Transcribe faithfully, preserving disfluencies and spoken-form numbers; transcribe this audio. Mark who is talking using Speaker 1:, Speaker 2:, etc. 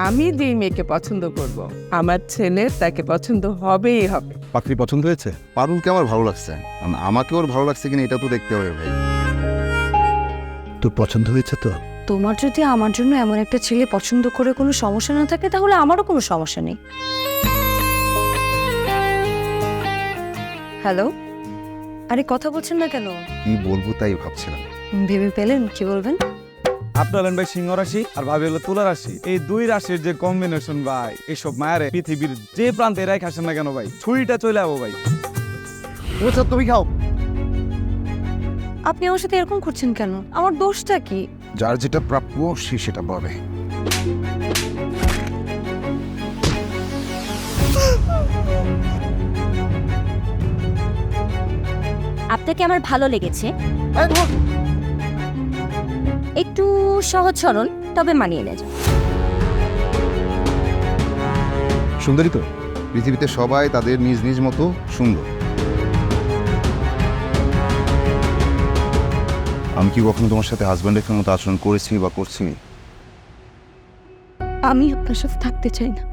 Speaker 1: আমি যেই মেয়েকে পছন্দ করব আমার ছেলে তাকে পছন্দ হবেই হবে।
Speaker 2: পাত্রী পছন্দ হয়েছে? পারুলকে আমার ভালো লাগছে, আম- আমাকে ওর ভালো লাগছে কিনা এটা তো দেখতে হবে ভাই।
Speaker 3: তোর পছন্দ হয়েছে তো?
Speaker 4: তোমার যদি আমার জন্য এমন একটা ছেলে পছন্দ করে কোনো সমস্যা না থাকে তাহলে আমারও কোনো সমস্যা নেই। হ্যালো, আরে কথা বলছেন না কেন?
Speaker 2: কি বলবো তাই ভাবছিলাম।
Speaker 4: ভেবে পেলেন কি বলবেন?
Speaker 5: আপনি হলেন ভাই সিংহ রাশি আর ভাবি হলো তুলা রাশি। এই দুই রাশির যে কম্বিনেশন ভাই, এইসব মায়ারে পৃথিবীর যে প্রান্তে এরাই খাসেন না কেন ভাই, ছুরিটা চলে যাবো ভাই।
Speaker 3: তুমি খাও।
Speaker 4: আপনি আমার সাথে এরকম করছেন কেন? আমার দোষটা কি?
Speaker 2: যার যেটা প্রাপ্য সে সেটা বলে।
Speaker 6: আপনাকে আমার ভালো লেগেছে, একটু সহজ সরল তবে মানিয়ে নেয়।
Speaker 2: সুন্দরী তো, পৃথিবীতে সবাই তাদের নিজ নিজ মতো সুন্দর। আমি কি কখনো তোমার সাথে হাজব্যান্ডের মতো আচরণ করেছি বা করছি?
Speaker 4: আমি আপনার সাথে থাকতে চাই না।